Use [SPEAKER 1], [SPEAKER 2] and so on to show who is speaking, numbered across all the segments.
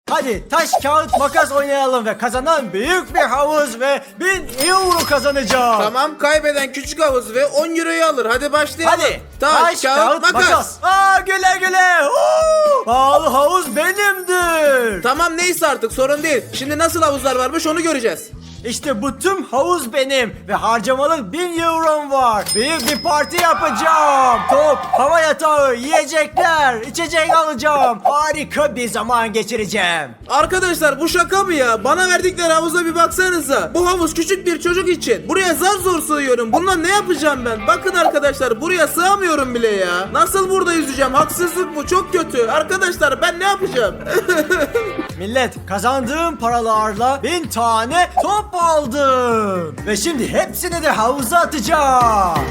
[SPEAKER 1] Hadi taş kağıt makas oynayalım ve kazanan büyük bir havuz ve 1000 euro kazanacak.
[SPEAKER 2] Tamam, kaybeden küçük havuz ve 10 euroyu alır. Hadi başlayalım.
[SPEAKER 1] Hadi
[SPEAKER 2] Taş, kağıt, makas.
[SPEAKER 1] Aa, güle güle. Pahalı havuz benimdir.
[SPEAKER 2] Tamam, neyse artık sorun değil. Şimdi nasıl havuzlar varmış onu göreceğiz.
[SPEAKER 1] İşte bu tüm havuz benim ve harcamalık 1000 eurom var. Büyük bir parti yapacağım. Top, hava yatağı, yiyecekler, içecek alacağım. Harika bir zaman geçireceğim.
[SPEAKER 2] Arkadaşlar bu şaka mı ya? Bana verdikleri havuza bir baksanıza. Bu havuz küçük bir çocuk için. Buraya zar zor sığıyorum. Bununla ne yapacağım ben? Bakın arkadaşlar, buraya sığamıyorum bile ya. Nasıl burada yüzeceğim? Haksızlık bu, çok kötü. Arkadaşlar ben ne yapacağım?
[SPEAKER 1] Millet, kazandığım paralarla 1000 tane top aldım. Ve şimdi hepsini de havuza atacağım.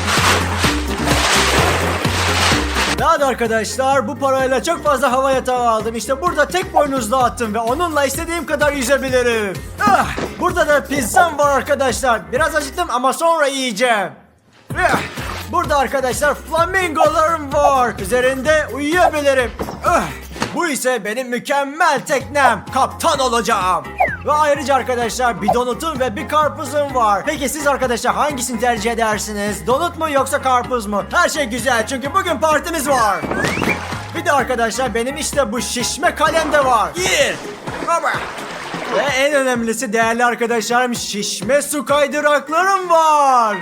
[SPEAKER 1] Daha da arkadaşlar, bu parayla çok fazla hava yatağı aldım. İşte burada tek boynuzlu attım ve onunla istediğim kadar yüzebilirim. Burada da pizzam var arkadaşlar. Biraz acıktım ama sonra yiyeceğim. Burada arkadaşlar flamingolarım var. Üzerinde uyuyabilirim. Bu ise benim mükemmel teknem. Kaptan olacağım. Ve ayrıca arkadaşlar bir donutum ve bir karpuzum var. Peki siz arkadaşlar hangisini tercih edersiniz? Donut mu yoksa karpuz mu? Her şey güzel çünkü bugün partimiz var. Bir de arkadaşlar benim işte bu şişme kalem de var. Gir. Baba. Ve en önemlisi değerli arkadaşlarım, şişme su kaydıraklarım var.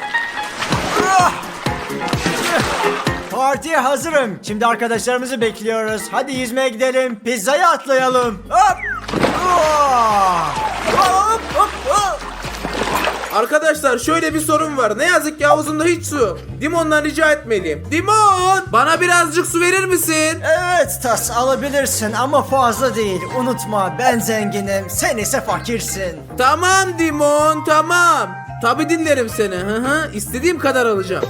[SPEAKER 1] Partiye hazırım. Şimdi arkadaşlarımızı bekliyoruz. Hadi yüzmeye gidelim. Pizzaya atlayalım. Hop. Hop, hop, hop.
[SPEAKER 2] Arkadaşlar şöyle bir sorun var. Ne yazık ki havuzumda hiç su yok. Dimon'dan rica etmeliyim. Dimon, bana birazcık su verir misin?
[SPEAKER 1] Evet Tas, alabilirsin ama fazla değil. Unutma, ben zenginim, sen ise fakirsin.
[SPEAKER 2] Tamam Dimon, tamam. Tabi dinlerim seni. Hı hı. İstediğim kadar alacağım.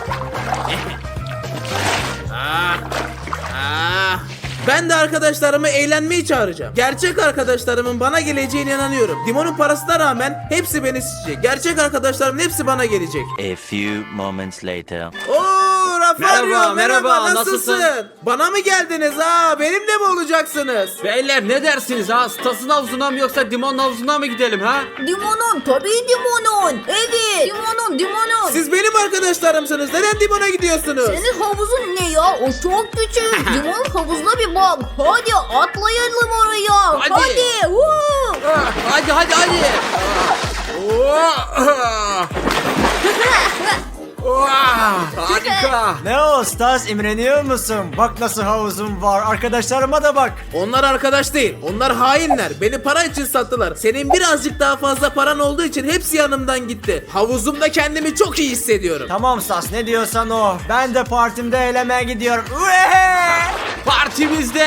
[SPEAKER 2] Ben de arkadaşlarımı eğlenmeyi çağıracağım. Gerçek arkadaşlarımın bana geleceğine inanıyorum. Dimon'un parasına rağmen hepsi beni isteyecek. Gerçek arkadaşlarımın hepsi bana gelecek.
[SPEAKER 3] A few moments later.
[SPEAKER 2] Oo Rafario,
[SPEAKER 4] merhaba,
[SPEAKER 2] nasılsın?
[SPEAKER 4] nasılsın?
[SPEAKER 2] Bana mı geldiniz ha? Benimle mi olacaksınız?
[SPEAKER 4] Beyler ne dersiniz ha? Stas'ın havuzuna mı yoksa Dimon'un havuzuna mı gidelim ha?
[SPEAKER 5] Dimon'un, tabii Dimon'un. Evet. Dimon'un.
[SPEAKER 2] Siz benim arkadaşlarımsınız. Neden Dimon'a gidiyorsunuz?
[SPEAKER 5] Senin havuzun ne ya? O çok küçük. Dimon'un havuzuna bir bak. Hadi atlayalım oraya.
[SPEAKER 4] Hadi.
[SPEAKER 5] Hadi.
[SPEAKER 4] Hadi. Harika.
[SPEAKER 1] Ne o Stas, imreniyor musun? Bak nasıl havuzum var. Arkadaşlarıma da bak.
[SPEAKER 2] Onlar arkadaş değil. Onlar hainler. Beni para için sattılar. Senin birazcık daha fazla paran olduğu için hepsi yanımdan gitti. Havuzumda kendimi çok iyi hissediyorum.
[SPEAKER 1] Tamam Stas, ne diyorsan o. Ben de partimde eğlenmeye gidiyorum.
[SPEAKER 4] Partimizde.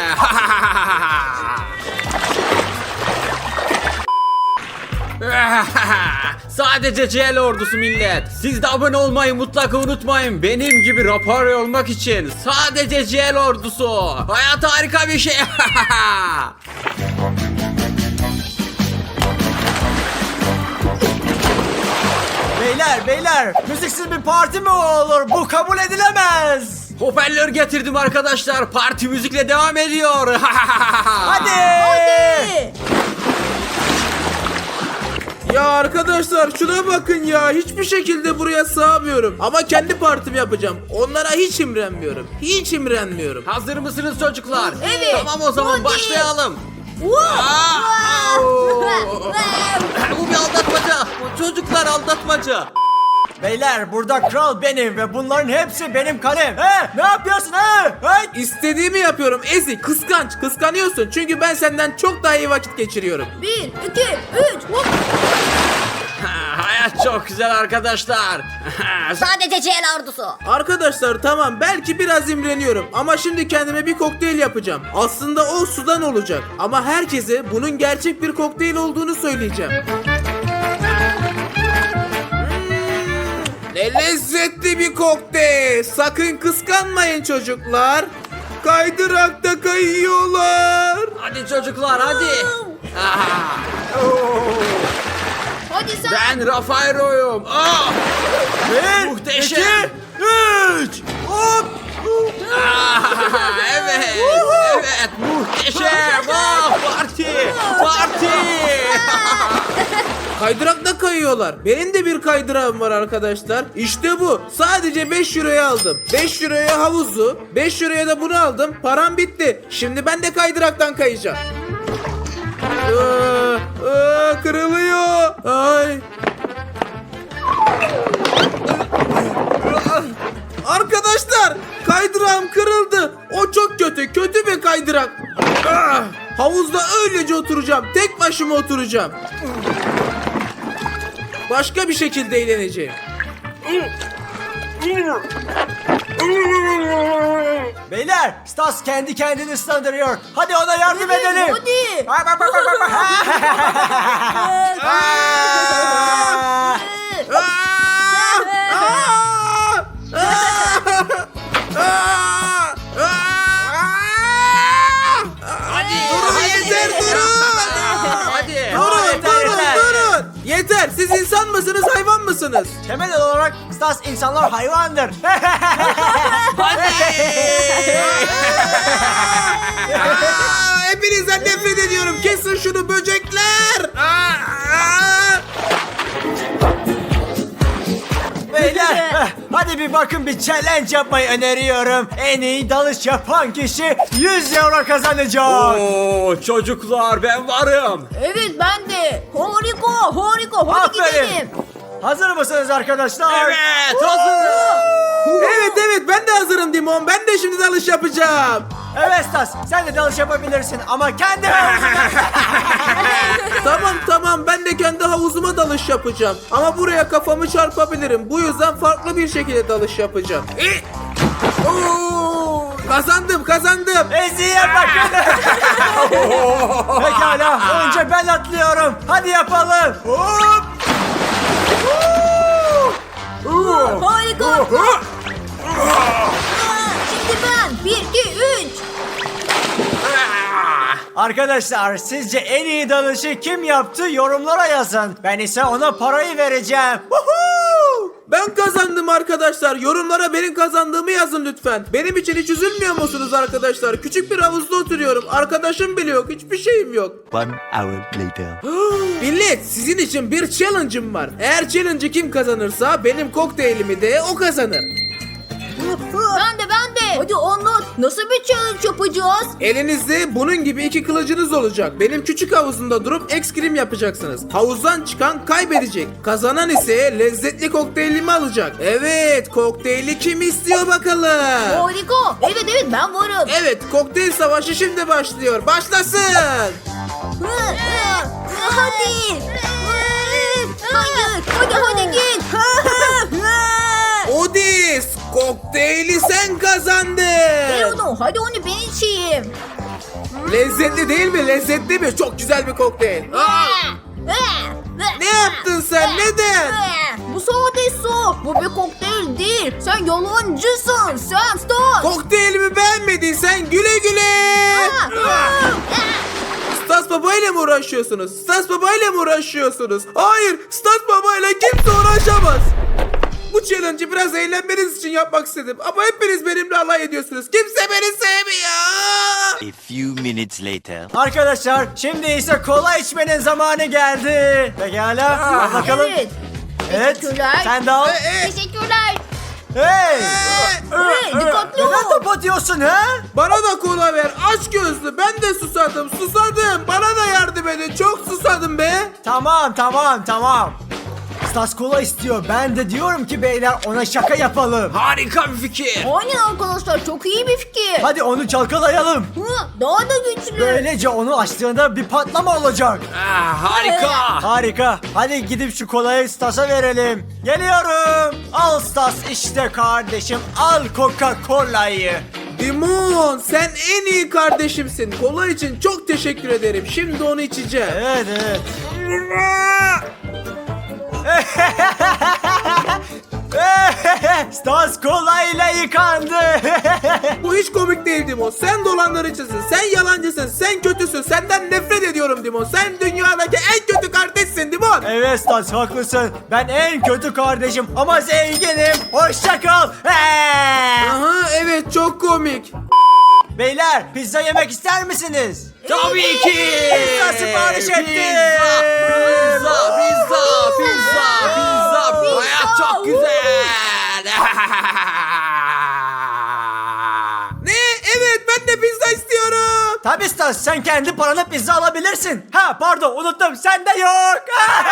[SPEAKER 4] Sadece CL ordusu millet. Siz de abone olmayı mutlaka unutmayın. Benim gibi rapor olmak için. Sadece CL ordusu. Hayat harika bir şey.
[SPEAKER 1] Beyler, müziksiz bir parti mi olur? Bu kabul edilemez.
[SPEAKER 4] Hoparlör getirdim arkadaşlar. Parti müzikle devam ediyor.
[SPEAKER 1] Hadi.
[SPEAKER 2] Ya arkadaşlar şuna bakın ya. Hiçbir şekilde buraya sığamıyorum. Ama kendi partimi yapacağım. Onlara hiç imrenmiyorum. Hiç imrenmiyorum.
[SPEAKER 4] Hazır mısınız çocuklar?
[SPEAKER 5] Evet.
[SPEAKER 4] Tamam o zaman
[SPEAKER 5] Hadi.
[SPEAKER 4] başlayalım. Bu bir aldatmaca. Bu çocuklar aldatmaca.
[SPEAKER 1] Beyler, burada kral benim ve bunların hepsi benim kalem. Ne yapıyorsun
[SPEAKER 2] İstediğimi yapıyorum Ezik. Kıskanç. Kıskanıyorsun. Çünkü ben senden çok daha iyi vakit geçiriyorum.
[SPEAKER 5] 1, 2, 3. Hop.
[SPEAKER 4] Hayat çok güzel arkadaşlar.
[SPEAKER 5] Sadece CL ordusu.
[SPEAKER 2] Arkadaşlar tamam, belki biraz imreniyorum ama şimdi kendime bir kokteyl yapacağım. Aslında o sudan olacak ama herkese bunun gerçek bir kokteyl olduğunu söyleyeceğim. Ne lezzetli bir kokteyl. Sakın kıskanmayın çocuklar. Kaydırakta kayıyorlar.
[SPEAKER 4] Hadi çocuklar hadi.
[SPEAKER 5] Hadi sen.
[SPEAKER 4] Ben Rafaero'yum. Muhteşem.
[SPEAKER 1] 2, 3. Hop.
[SPEAKER 4] Evet. Evet muhteşem. Parti. Parti.
[SPEAKER 2] Kaydırakta kayıyorlar. Benim de bir kaydırağım var arkadaşlar. İşte bu. Sadece 5 euroya aldım. 5 euroya havuzu, 5 euroya da bunu aldım. Param bitti. Şimdi ben de kaydıraktan kayacağım. Kırılıyor. Ay. Arkadaşlar, kaydırağım kırıldı. O çok kötü. Kötü bir kaydırak. Havuzda öylece oturacağım. Tek başıma oturacağım. Başka bir şekilde eğleneceğim.
[SPEAKER 1] Beyler, Stas kendi kendini ıslandırıyor. Hadi ona yardım edelim.
[SPEAKER 5] Hadi.
[SPEAKER 1] Bak, bak, bak, bak, bak.
[SPEAKER 2] Durun, yeter, durun.
[SPEAKER 4] Hadi.
[SPEAKER 2] Durun. Yeter. Siz insan mısınız, hayvan mısınız?
[SPEAKER 1] Temel olarak Stas insanlar hayvandır.
[SPEAKER 2] Hepinizden nefret ediyorum. Kesin şunu böcekler.
[SPEAKER 1] Beyler, hadi bir bakın, bir challenge yapmayı öneriyorum. En iyi dalış yapan kişi 100 euro kazanacak.
[SPEAKER 4] Oo, çocuklar ben varım.
[SPEAKER 5] Evet ben de. Harika harika. Hadi
[SPEAKER 1] Aferin.
[SPEAKER 5] gidelim.
[SPEAKER 1] Hazır mısınız arkadaşlar?
[SPEAKER 4] Evet hazırım.
[SPEAKER 2] Evet ben de hazırım Dimon. Ben de şimdi dalış yapacağım.
[SPEAKER 1] Evet Stas, sen de dalış yapabilirsin ama kendi
[SPEAKER 2] Tamam ben de kendi havuzuma dalış yapacağım. Ama buraya kafamı çarpabilirim. Bu yüzden farklı bir şekilde dalış yapacağım. Oo, kazandım.
[SPEAKER 1] Eziye bakın. Pekala, önce ben atlıyorum. Hadi yapalım. Hop.
[SPEAKER 5] Harika. Şimdi ben. 1, 2, 3.
[SPEAKER 1] Arkadaşlar, sizce en iyi dalışı kim yaptı? Yorumlara yazın. Ben ise ona parayı vereceğim. Woohoo!
[SPEAKER 2] Ben kazandım arkadaşlar. Yorumlara benim kazandığımı yazın lütfen. Benim için hiç üzülmüyor musunuz arkadaşlar? Küçük bir havuzda oturuyorum. Arkadaşım bile yok. Hiçbir şeyim yok.
[SPEAKER 3] 1 hour later.
[SPEAKER 2] Millet, sizin için bir challenge'ım var. Eğer challenge'ı kim kazanırsa benim kokteylimi de o kazanır.
[SPEAKER 5] Ben de. Hadi anlat. Nasıl bir challenge yapacağız?
[SPEAKER 2] Elinizde bunun gibi 2 kılıcınız olacak. Benim küçük havuzumda durup ekskrim yapacaksınız. Havuzdan çıkan kaybedecek. Kazanan ise lezzetli kokteylimi alacak. Evet, kokteyli kim istiyor bakalım?
[SPEAKER 5] Harika. Evet ben varım.
[SPEAKER 2] Evet, kokteyl savaşı şimdi başlıyor. Başlasın.
[SPEAKER 5] Hadi. Hadi git.
[SPEAKER 2] Odis, kokteyli sen kazandın.
[SPEAKER 5] Hadi onu ben içeyim.
[SPEAKER 2] Lezzetli değil mi? Lezzetli mi? Çok güzel bir kokteyl. Ne yaptın sen? Neden?
[SPEAKER 5] Bu sade su. Bu bir kokteyl değil. Sen yalancısın. Sen Stas.
[SPEAKER 2] Kokteylimi beğenmediysen güle güle. Stas Baba ile mi uğraşıyorsunuz? Stas Baba ile mi uğraşıyorsunuz? Hayır, Stas Baba ile kimse uğraşamaz. Bu challenge'ı biraz eğlenmeniz için yapmak istedim. Ama hepiniz benimle alay ediyorsunuz. Kimse beni sevmiyor.
[SPEAKER 3] A few minutes later.
[SPEAKER 1] Arkadaşlar, şimdi ise kola içmenin zamanı geldi. Pekala, al bakalım.
[SPEAKER 5] Evet.
[SPEAKER 1] Evet,
[SPEAKER 5] Teşekkürler.
[SPEAKER 1] sen de al.
[SPEAKER 5] Teşekkürler.
[SPEAKER 1] Hey!
[SPEAKER 5] Dikkatli
[SPEAKER 1] Neden
[SPEAKER 5] ol.
[SPEAKER 1] top atıyorsun ha?
[SPEAKER 2] Bana da kola ver. Aç gözlü. Ben de susadım. Bana da yardım edin. Çok susadım be.
[SPEAKER 1] Tamam. Stas kola istiyor. Ben de diyorum ki beyler, ona şaka yapalım.
[SPEAKER 4] Harika bir fikir.
[SPEAKER 5] Aynen arkadaşlar, çok iyi bir fikir.
[SPEAKER 1] Hadi onu çalkalayalım.
[SPEAKER 5] Daha da güçlü.
[SPEAKER 1] Böylece onu açtığında bir patlama olacak.
[SPEAKER 4] Harika.
[SPEAKER 1] Harika. Hadi gidip şu kolayı Stas'a verelim. Geliyorum. Al Stas, işte kardeşim. Al Coca-Cola'yı.
[SPEAKER 2] Dimon, sen en iyi kardeşimsin. Kola için çok teşekkür ederim. Şimdi onu içeceğim.
[SPEAKER 1] Evet. Stas kolayla yıkandı.
[SPEAKER 2] Bu hiç komik değil Dimon. Sen dolandırıcısın. Sen yalancısın. Sen kötüsün. Senden nefret ediyorum Dimon. Sen dünyadaki en kötü kardeşsin Dimon.
[SPEAKER 1] Evet Stas, haklısın. Ben en kötü kardeşim ama zenginim. Hoşça kal.
[SPEAKER 2] Aha, evet, çok komik.
[SPEAKER 1] Beyler pizza yemek ister misiniz?
[SPEAKER 4] Tabii ki.
[SPEAKER 1] Pizza sipariş ettim.
[SPEAKER 4] Pizza. Hayat çok güzel.
[SPEAKER 2] Ne? Evet ben de pizza istiyorum.
[SPEAKER 1] Tabii Stas, sen kendi parana pizza alabilirsin. Ha pardon, unuttum, sende yok.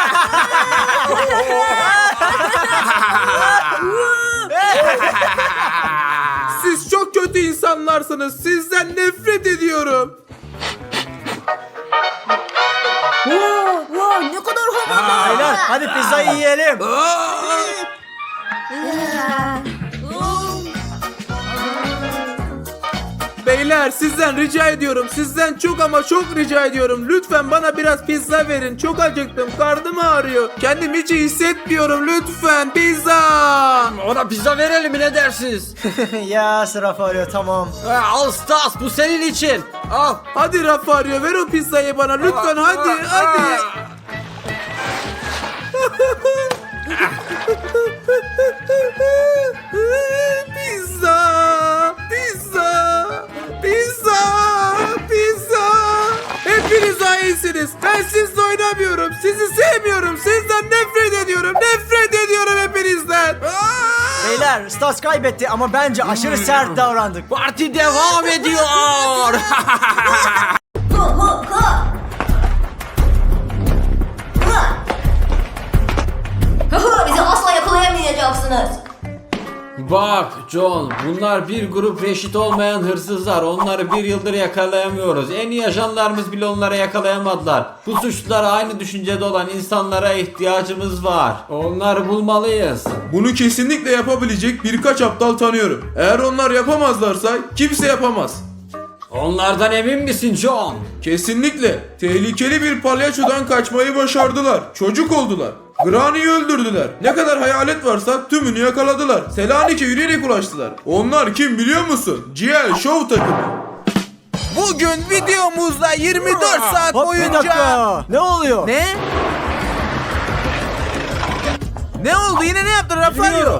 [SPEAKER 2] Siz çok kötü insanlarsınız. Sizden nefret ediyorum.
[SPEAKER 5] Wow, ne kadar havalı.
[SPEAKER 1] Beyler hadi pizzayı yiyelim.
[SPEAKER 2] Beyler sizden rica ediyorum. Sizden çok ama çok rica ediyorum. Lütfen bana biraz pizza verin. Çok acıktım. Karnım ağrıyor. Kendimi hiç iyi hissetmiyorum. Lütfen pizza.
[SPEAKER 4] Ona pizza verelim mi, ne dersiniz?
[SPEAKER 1] Ya sıra arıyor, tamam.
[SPEAKER 4] Al Stas, bu senin için. Al.
[SPEAKER 2] Hadi Rafario ver o pizzayı bana. Lütfen hadi hadi. Pizza. Pizza. Pizza. Pizza. Hepiniz iyisiniz. Ben sizle oynamıyorum. Sizi sevmiyorum. Sizden nefret ediyorum. Nefret ediyorum hepinizden.
[SPEAKER 1] Beyler Stas kaybetti ama bence aşırı sert davrandık.
[SPEAKER 4] Parti devam ediyor.
[SPEAKER 5] Bizi asla yakalayamayacaksınız.
[SPEAKER 4] Bak John, bunlar bir grup reşit olmayan hırsızlar. Onları bir yıldır yakalayamıyoruz. En iyi ajanlarımız bile onları yakalayamadılar. Bu suçlulara aynı düşüncede olan insanlara ihtiyacımız var. Onları bulmalıyız.
[SPEAKER 2] Bunu kesinlikle yapabilecek birkaç aptal tanıyorum. Eğer onlar yapamazlarsa kimse yapamaz.
[SPEAKER 4] Onlardan emin misin John?
[SPEAKER 2] Kesinlikle. Tehlikeli bir palyaçodan kaçmayı başardılar. Çocuk oldular. Granny'yi öldürdüler. Ne kadar hayalet varsa tümünü yakaladılar. Selanik'e yürüyerek ulaştılar. Onlar kim biliyor musun? GL Show takımı. Bugün videomuzda 24 saat
[SPEAKER 1] Hop bir dakika. Ne oluyor?
[SPEAKER 2] Ne? Ne oldu? Yine ne yaptın Rafario?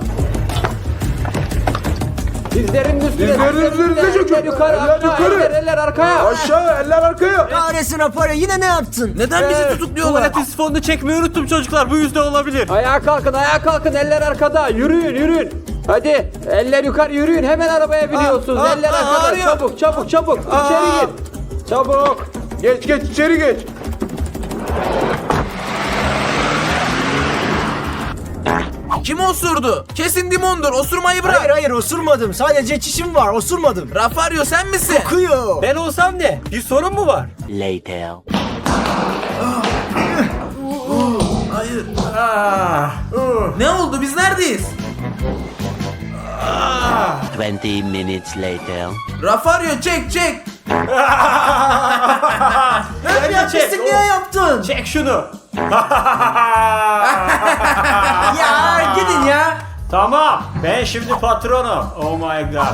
[SPEAKER 4] Dizlerin üstüne.
[SPEAKER 2] Dizlerin üstüne çökün.
[SPEAKER 4] Yukarı,
[SPEAKER 2] Eller yukarı.
[SPEAKER 4] eller arkaya.
[SPEAKER 2] Aşağı, eller arkaya.
[SPEAKER 1] Kahretsin Rafario, yine ne yaptın?
[SPEAKER 2] Neden bizi tutukluyorlar?
[SPEAKER 6] Tuvalet sifonunu çekmeyi unuttum çocuklar. Bu yüzden olabilir.
[SPEAKER 4] Ayağa kalkın, eller arkada. Yürüyün. Hadi, eller yukarı yürüyün. Hemen arabaya biniyorsunuz. Eller arkada.
[SPEAKER 2] ağrıyor.
[SPEAKER 4] Çabuk. İçeri gir. Çabuk.
[SPEAKER 2] Geç içeri geç. Kim osurdu? Kesin Dimon'dur. Osurmayı bırak.
[SPEAKER 1] Hayır osurmadım. Sadece çişim var, osurmadım.
[SPEAKER 2] Rafario sen misin?
[SPEAKER 1] Kıyor.
[SPEAKER 6] Ben olsam ne? Bir sorun mu var?
[SPEAKER 3] Later.
[SPEAKER 2] Hayır. Ne oldu? Biz neredeyiz?
[SPEAKER 3] 20 minutes later.
[SPEAKER 2] Rafario çek.
[SPEAKER 1] Ya pislik niye yaptın?
[SPEAKER 6] Çek şunu.
[SPEAKER 1] Ya gidin ya.
[SPEAKER 6] Tamam. Ben şimdi patronum. Oh my god.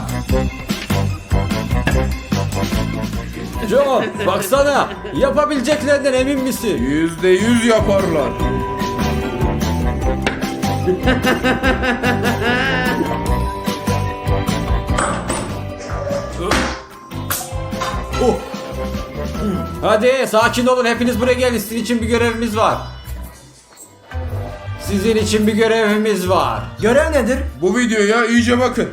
[SPEAKER 4] John, baksana. Yapabileceklerinden emin misin?
[SPEAKER 2] %100 yaparlar.
[SPEAKER 4] Hadi sakin olun, hepiniz buraya gelin. Sizin için bir görevimiz var.
[SPEAKER 1] Görev nedir?
[SPEAKER 2] Bu videoya iyice bakın.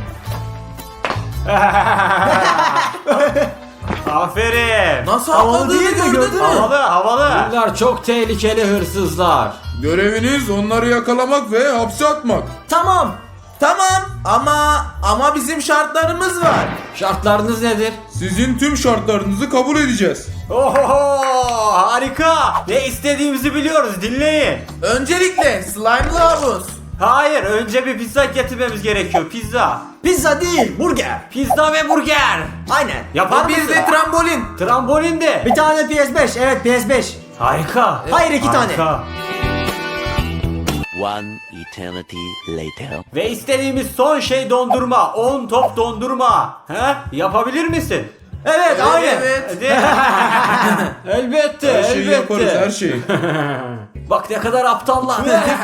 [SPEAKER 6] Aferin.
[SPEAKER 2] Nasıl
[SPEAKER 1] Havalı
[SPEAKER 2] atladığını
[SPEAKER 1] değil mi?
[SPEAKER 2] gördün
[SPEAKER 1] Gördün
[SPEAKER 2] mü?
[SPEAKER 1] mü?
[SPEAKER 6] Havalı.
[SPEAKER 4] Bunlar çok tehlikeli hırsızlar.
[SPEAKER 2] Göreviniz onları yakalamak ve hapse atmak.
[SPEAKER 1] Tamam.
[SPEAKER 2] Tamam ama bizim şartlarımız var.
[SPEAKER 4] Şartlarınız nedir?
[SPEAKER 2] Sizin tüm şartlarınızı kabul edeceğiz.
[SPEAKER 6] Oho, harika. Ne istediğimizi biliyoruz. Dinleyin.
[SPEAKER 2] Öncelikle slime'lı havuz.
[SPEAKER 6] Hayır, önce bir pizza getirmemiz gerekiyor. Pizza.
[SPEAKER 1] Pizza değil, burger.
[SPEAKER 6] Pizza ve burger.
[SPEAKER 1] Aynen.
[SPEAKER 6] Yapar
[SPEAKER 2] Bir
[SPEAKER 6] mısın?
[SPEAKER 2] de trambolin.
[SPEAKER 6] Trambolin de.
[SPEAKER 1] Bir tane PS5. Evet PS5.
[SPEAKER 6] Harika.
[SPEAKER 1] Hayır 2 tane.
[SPEAKER 6] Harika.
[SPEAKER 3] One eternity later.
[SPEAKER 6] Ve istediğimiz son şey dondurma. 10 top dondurma. He? Yapabilir misin?
[SPEAKER 1] Evet, aynı.
[SPEAKER 2] Evet.
[SPEAKER 4] Elbette,
[SPEAKER 2] Her şeyi yaparız, her
[SPEAKER 4] elbette.
[SPEAKER 2] şeyi.
[SPEAKER 4] Bak ne kadar aptallar.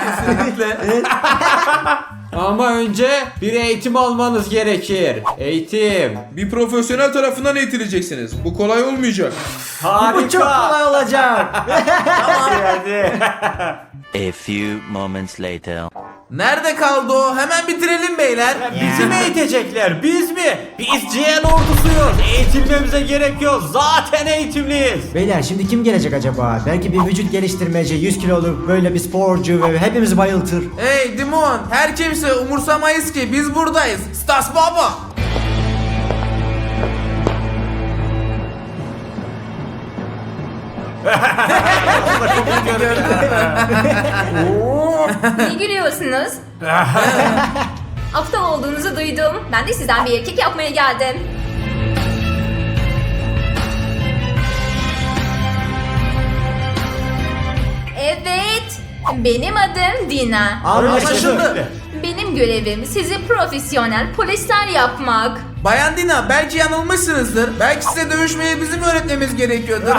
[SPEAKER 4] Ama önce bir eğitim almanız gerekir. Eğitim.
[SPEAKER 2] Bir profesyonel tarafından eğitileceksiniz. Bu kolay olmayacak.
[SPEAKER 1] Bu çok kolay olacak.
[SPEAKER 6] Hadi.
[SPEAKER 3] A few moments later.
[SPEAKER 2] Nerede kaldı o? Hemen bitirelim beyler.
[SPEAKER 6] Bizi mi eğitecekler? Biz mi? Biz CL ordusuyuz. Eğitilmemize gerek yok. Zaten eğitimliyiz.
[SPEAKER 1] Beyler şimdi kim gelecek acaba? Belki bir vücut geliştirmeci, 100 kiloluk böyle bir sporcu ve hepimizi bayıltır.
[SPEAKER 2] Hey Dimon, her kimse umursamayız ki biz buradayız. Stas baba.
[SPEAKER 7] Niye gülüyorsunuz? Aptal olduğunuzu duydum. Ben de sizden bir erkek yapmaya geldim. Evet. Benim adım Dina.
[SPEAKER 2] Anlaşıldı.
[SPEAKER 7] Benim görevim sizi profesyonel polisler yapmak.
[SPEAKER 2] Bayan Dina, belki yanılmışsınızdır. Belki size dövüşmeyi bizim öğretmemiz gerekiyordur.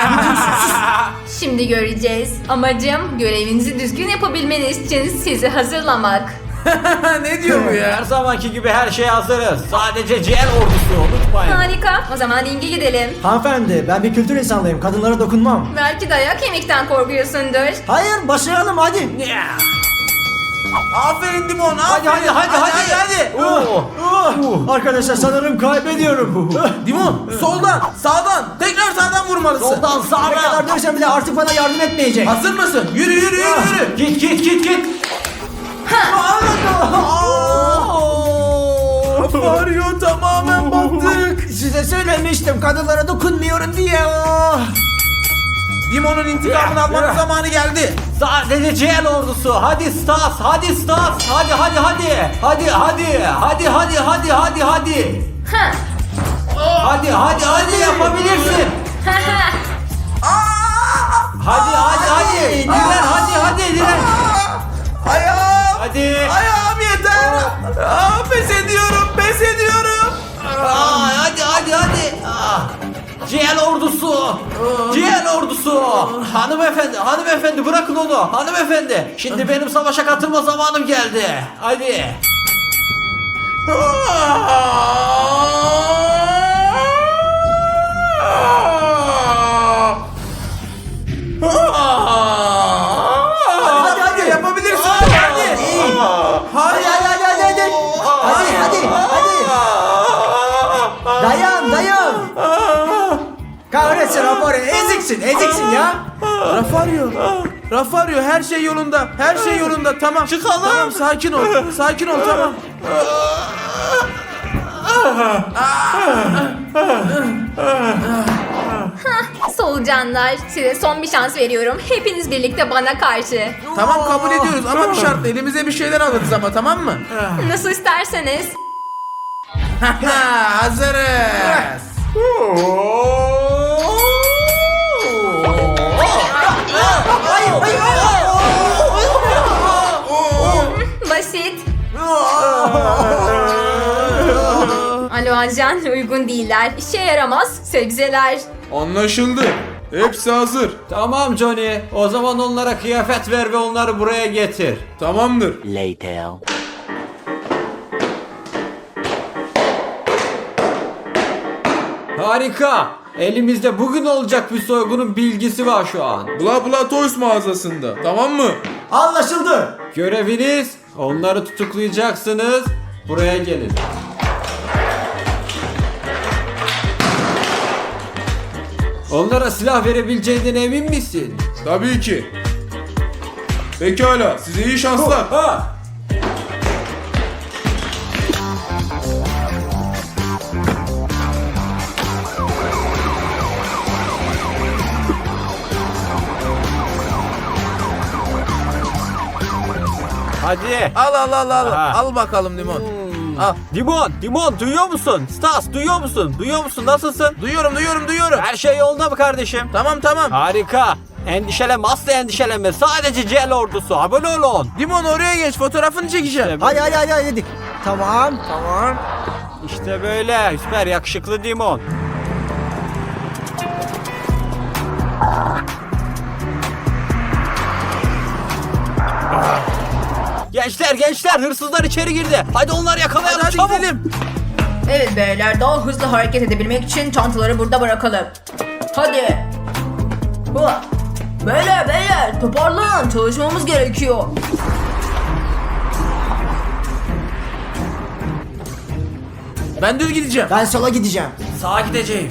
[SPEAKER 7] Şimdi göreceğiz. Amacım görevinizi düzgün yapabilmeniz için sizi hazırlamak.
[SPEAKER 2] Ne diyor bu ya?
[SPEAKER 6] Her zamanki gibi her şeye hazırız. Sadece CL ordusu unutmayın.
[SPEAKER 7] Harika. O zaman ringe gidelim.
[SPEAKER 1] Hanımefendi, ben bir kültür insanlıyım. Kadınlara dokunmam.
[SPEAKER 7] Belki dayak yemekten korkuyorsundur.
[SPEAKER 1] Hayır, başlayalım hadi.
[SPEAKER 2] Aferin Dimon,
[SPEAKER 6] Hadi
[SPEAKER 2] aferin.
[SPEAKER 6] hadi.
[SPEAKER 1] Arkadaşlar sanırım kaybediyorum.
[SPEAKER 2] Dimon, soldan, sağdan, tekrar sağdan vurmalısın.
[SPEAKER 6] Soldan
[SPEAKER 1] Ne
[SPEAKER 6] sağa.
[SPEAKER 1] kadar dövsem bile artık bana yardım etmeyecek.
[SPEAKER 2] Hazır mısın? Yürü yürü yürü yürü.
[SPEAKER 6] Git.
[SPEAKER 2] Mario tamamen battık.
[SPEAKER 1] Size söylemiştim kadınlara dokunmuyorum diye.
[SPEAKER 2] Dimon'un intikamını almanın zamanı geldi.
[SPEAKER 6] Sadece CL ordusu. Hadi Stas. Hadi. Hadi.
[SPEAKER 7] Ha.
[SPEAKER 6] Hadi yapabilirsin. Hadi. Diren.
[SPEAKER 2] Ayağım.
[SPEAKER 6] Hadi.
[SPEAKER 2] Ayağım yeter. Pes ediyorum.
[SPEAKER 6] Hadi. CL ordusu. Hanımefendi bırakın onu. Hanımefendi. Şimdi benim savaşa katılma zamanım geldi. Hadi.
[SPEAKER 2] Hadi yapabilirsin. Hadi. Hadi.
[SPEAKER 1] Dayan. Kahretsin Rafario, eziksin ya.
[SPEAKER 2] Rafario, her şey yolunda. Tamam.
[SPEAKER 6] Çıkalım.
[SPEAKER 2] Tamam, sakin ol tamam.
[SPEAKER 7] Solucanlar, size son bir şans veriyorum. Hepiniz birlikte bana karşı.
[SPEAKER 2] Tamam, kabul ediyoruz ama bir şartla elimize bir şeyler alırız ama, tamam mı?
[SPEAKER 7] Nasıl isterseniz.
[SPEAKER 2] Hazırız.
[SPEAKER 7] Basit. Alo ajan, uygun değiller. İşe yaramaz sebzeler.
[SPEAKER 2] Anlaşıldı. Hepsi hazır.
[SPEAKER 4] Tamam Johnny. O zaman onlara kıyafet ver ve onları buraya getir.
[SPEAKER 2] Tamamdır.
[SPEAKER 3] Later.
[SPEAKER 4] Harika. Elimizde bugün olacak bir soygunun bilgisi var şu an.
[SPEAKER 2] Bla Bla Toys mağazasında. Tamam mı?
[SPEAKER 1] Anlaşıldı.
[SPEAKER 4] Göreviniz onları tutuklayacaksınız. Buraya gelin. Onlara silah verebileceğinden emin misin?
[SPEAKER 2] Tabii ki. Pekala, size iyi şanslar.
[SPEAKER 6] Hadi.
[SPEAKER 2] Al.
[SPEAKER 6] Aha.
[SPEAKER 2] Al bakalım Dimon. Al.
[SPEAKER 6] Dimon duyuyor musun? Stas duyuyor musun? Nasılsın?
[SPEAKER 2] Duyuyorum.
[SPEAKER 6] Her şey yolunda mı kardeşim?
[SPEAKER 2] Tamam.
[SPEAKER 6] Harika. Endişelenme, asla endişelenme. Sadece CL ordusu. Abone olun.
[SPEAKER 2] Dimon, oraya geç, fotoğrafını çekeceğim.
[SPEAKER 1] Hadi. Tamam.
[SPEAKER 6] İşte böyle. Süper yakışıklı Dimon. gençler hırsızlar içeri girdi. Hadi onları yakalayalım
[SPEAKER 2] Hadi
[SPEAKER 6] çabuk.
[SPEAKER 2] gidelim.
[SPEAKER 7] Evet beyler, daha hızlı hareket edebilmek için çantaları burada bırakalım. Hadi. Hua. Beyler toparlanın, çalışmamız gerekiyor.
[SPEAKER 2] Ben düz gideceğim.
[SPEAKER 1] Ben sola gideceğim.
[SPEAKER 6] Sağa gideceğim.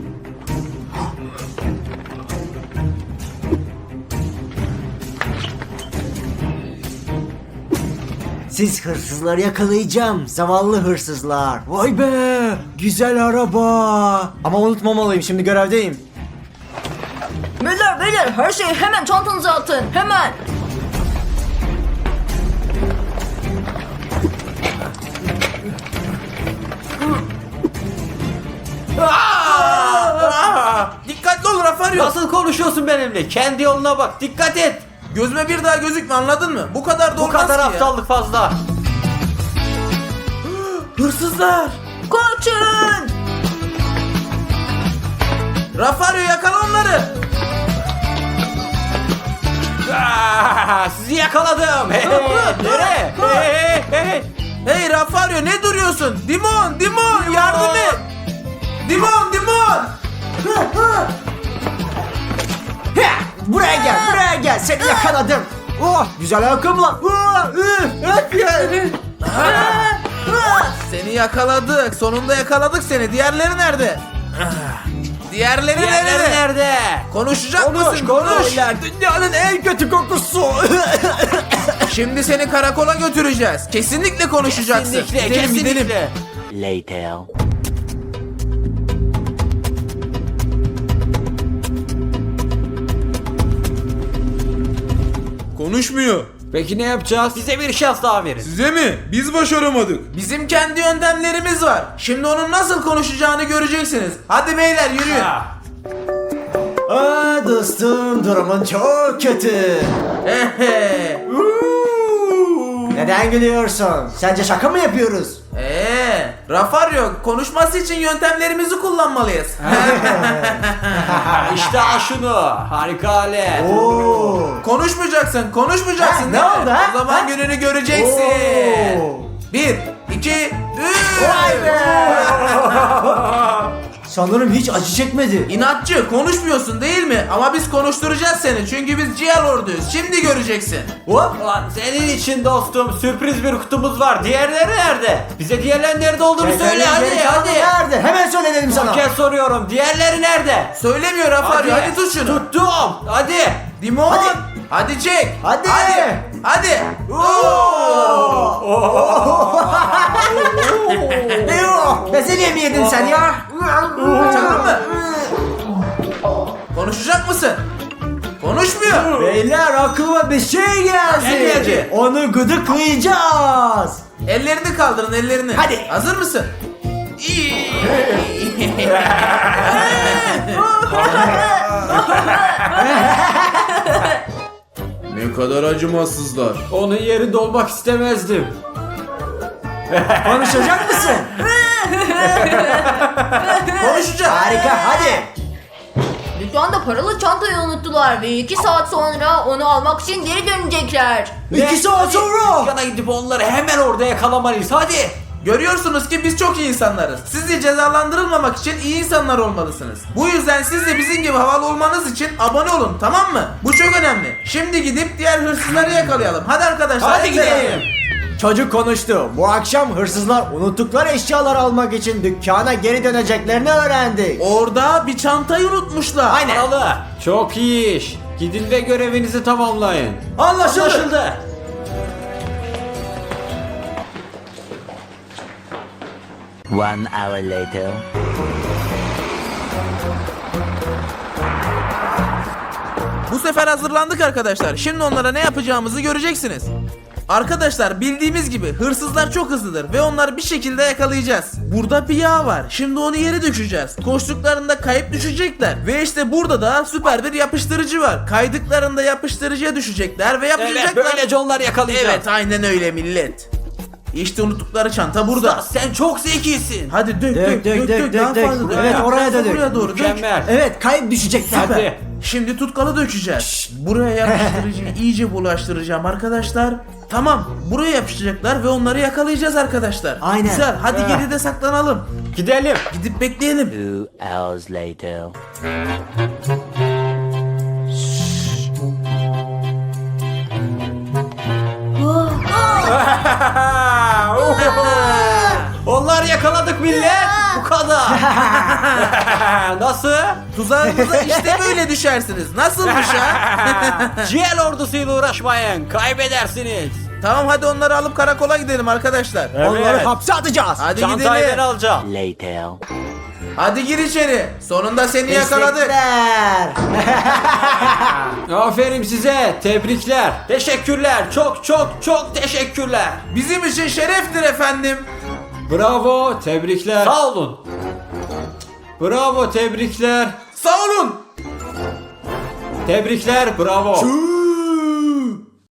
[SPEAKER 1] Siz hırsızları yakalayacağım. Zavallı hırsızlar. Vay be. Güzel araba. Ama unutmamalıyım, şimdi görevdeyim.
[SPEAKER 5] Beyler her şeyi hemen çantanıza atın. Hemen.
[SPEAKER 2] Dikkatli ol Rafario.
[SPEAKER 6] Nasıl konuşuyorsun benimle? Kendi yoluna bak. Dikkat et.
[SPEAKER 2] Gözüme bir daha gözükme, anladın mı? Bu kadar da
[SPEAKER 6] Bu
[SPEAKER 2] olmaz
[SPEAKER 6] kadar
[SPEAKER 2] ki ya.
[SPEAKER 6] aptallık fazla.
[SPEAKER 2] Hırsızlar.
[SPEAKER 5] Kaçın.
[SPEAKER 2] Rafario yakala onları.
[SPEAKER 6] Sizi yakaladım. Hey, nereye? Hey.
[SPEAKER 2] Hey Rafario, ne duruyorsun? Dimon yardım et. Dimon.
[SPEAKER 1] Buraya gel. Seni yakaladım. Oh, güzel ayakkabılar.
[SPEAKER 2] Seni yakaladık. Sonunda yakaladık seni. Diğerleri nerede? Diğerleri
[SPEAKER 6] Diğerleri nerede?
[SPEAKER 2] Konuşacak mısın? Konuş.
[SPEAKER 1] Dünyanın en kötü kokusu.
[SPEAKER 2] Şimdi seni karakola götüreceğiz. Kesinlikle konuşacaksın. Gidelim.
[SPEAKER 6] Kesinlikle.
[SPEAKER 3] Later.
[SPEAKER 2] Konuşmuyor.
[SPEAKER 4] Peki ne yapacağız?
[SPEAKER 6] Bize bir şans daha verin.
[SPEAKER 2] Size mi? Biz başaramadık. Bizim kendi yöntemlerimiz var. Şimdi onun nasıl konuşacağını göreceksiniz. Hadi beyler yürüyün.
[SPEAKER 6] Ha.
[SPEAKER 1] Aa, dostum, durumun çok kötü.
[SPEAKER 2] Ehe.
[SPEAKER 1] Neden gülüyorsun? Sence şaka mı yapıyoruz?
[SPEAKER 2] Rafario, konuşması için yöntemlerimizi kullanmalıyız.
[SPEAKER 6] İşte al şunu. Harika alet.
[SPEAKER 1] Oo.
[SPEAKER 2] Konuşmayacaksın
[SPEAKER 1] Ha,
[SPEAKER 2] değil
[SPEAKER 1] ne
[SPEAKER 2] mi?
[SPEAKER 1] oldu ha?
[SPEAKER 2] O zaman
[SPEAKER 1] Ha?
[SPEAKER 2] gününü göreceksin.
[SPEAKER 1] Oo.
[SPEAKER 2] 1, 2, 3.
[SPEAKER 1] Vay be. Sanırım hiç acı çekmedi.
[SPEAKER 2] İnatçı, konuşmuyorsun değil mi? Ama biz konuşturacağız seni çünkü biz Ciğer Ordu'yuz. Şimdi göreceksin.
[SPEAKER 6] Hop lan senin için dostum sürpriz bir kutumuz var. Diğerleri nerede? Bize diğerlerin nerede olduğunu söyle hadi.
[SPEAKER 1] Nerede? Hemen söyle dedim sana.
[SPEAKER 6] Bir kez soruyorum. Diğerleri nerede?
[SPEAKER 2] Söylemiyor Rafario, hadi tut şunu.
[SPEAKER 6] Tuttum. Hadi.
[SPEAKER 2] Dimon,
[SPEAKER 1] Hadi.
[SPEAKER 2] hadi çek.
[SPEAKER 1] Hadi.
[SPEAKER 2] Hadi.
[SPEAKER 1] Eyvah! Bezelye mi yedin sen ya?
[SPEAKER 2] Kaçırdın mı? Konuşacak mısın? Konuşmuyor.
[SPEAKER 1] Beyler, aklıma bir şey
[SPEAKER 2] Ne
[SPEAKER 1] geldi.
[SPEAKER 2] geldi?
[SPEAKER 1] Onu gıdıklayacağız.
[SPEAKER 2] Ellerini kaldırın, ellerini.
[SPEAKER 1] Hadi.
[SPEAKER 2] Hazır mısın? Ne kadar acımasızlar.
[SPEAKER 4] Onun yerinde olmak istemezdim.
[SPEAKER 1] Konuşacak mısın?
[SPEAKER 2] Konuşacak.
[SPEAKER 1] Harika, hadi.
[SPEAKER 5] Dükkanda paralı çantayı unuttular ve 2 saat sonra onu almak için geri dönecekler.
[SPEAKER 1] 2 saat sonra.
[SPEAKER 6] Yana gidip onları hemen orada yakalamalıyız. Hadi.
[SPEAKER 2] Görüyorsunuz ki biz çok iyi insanlarız. Siz de cezalandırılmamak için iyi insanlar olmalısınız. Bu yüzden siz de bizim gibi havalı olmanız için abone olun, tamam mı? Bu çok önemli. Şimdi gidip diğer hırsızları yakalayalım. Hadi arkadaşlar.
[SPEAKER 6] Hadi
[SPEAKER 2] hep beraber.
[SPEAKER 6] gidelim.
[SPEAKER 1] Çocuk konuştu. Bu akşam hırsızlar unuttukları eşyaları almak için dükkana geri döneceklerini öğrendik.
[SPEAKER 2] Orada bir çantayı unutmuşlar.
[SPEAKER 1] Aynen.
[SPEAKER 6] Paralı.
[SPEAKER 4] Çok iyi iş. Gidin ve görevinizi tamamlayın.
[SPEAKER 6] Anlaşıldı.
[SPEAKER 3] One hour later.
[SPEAKER 2] Bu sefer hazırlandık arkadaşlar. Şimdi onlara ne yapacağımızı göreceksiniz. Arkadaşlar bildiğimiz gibi hırsızlar çok hızlıdır ve onları bir şekilde yakalayacağız. Burada bir yağ var. Şimdi onu yere dökeceğiz. Koştuklarında kayıp düşecekler. Ve işte burada da süper bir yapıştırıcı var. Kaydıklarında yapıştırıcıya düşecekler ve
[SPEAKER 6] Evet
[SPEAKER 2] yapışacaklar.
[SPEAKER 6] böylece onları yakalayacağız.
[SPEAKER 2] Evet, aynen öyle millet. İşte unuttukları çanta burada.
[SPEAKER 6] Sen çok zekisin.
[SPEAKER 2] Hadi dök
[SPEAKER 1] Dök,
[SPEAKER 2] daha
[SPEAKER 1] dök.
[SPEAKER 2] fazla dök.
[SPEAKER 1] Evet, oraya da dök.
[SPEAKER 2] Buraya doğru dök.
[SPEAKER 6] Mükemmel.
[SPEAKER 1] Evet, kayıp düşecek.
[SPEAKER 6] Hadi.
[SPEAKER 2] Şimdi tutkalı dökeceğiz. Buraya yapıştırıcıyı iyice bulaştıracağım arkadaşlar. Tamam, buraya yapıştıracaklar ve onları yakalayacağız arkadaşlar.
[SPEAKER 1] Aynen.
[SPEAKER 2] Güzel, hadi geride saklanalım.
[SPEAKER 6] Gidelim.
[SPEAKER 2] Gidip bekleyelim.
[SPEAKER 3] 2 hours later.
[SPEAKER 6] Onlar yakaladık millet. Bu kadar. Nasıl?
[SPEAKER 2] Tuzağımıza işte böyle düşersiniz. Nasılmış ha?
[SPEAKER 6] GL ordusuyla uğraşmayın. Kaybedersiniz.
[SPEAKER 2] Tamam, hadi onları alıp karakola gidelim arkadaşlar.
[SPEAKER 1] Onları hapse atacağız.
[SPEAKER 2] Hadi
[SPEAKER 6] Çantayı ben
[SPEAKER 2] gidelim.
[SPEAKER 6] alacağım.
[SPEAKER 3] Later.
[SPEAKER 2] Hadi gir içeri. Sonunda seni yakaladık.
[SPEAKER 1] Teşekkürler.
[SPEAKER 4] Aferin size. Tebrikler.
[SPEAKER 6] Teşekkürler. Çok çok çok teşekkürler.
[SPEAKER 2] Bizim için şereftir efendim.
[SPEAKER 4] Bravo. Tebrikler.
[SPEAKER 6] Sağ olun.
[SPEAKER 4] Bravo. Tebrikler.
[SPEAKER 2] Sağ olun.
[SPEAKER 4] Tebrikler. Bravo.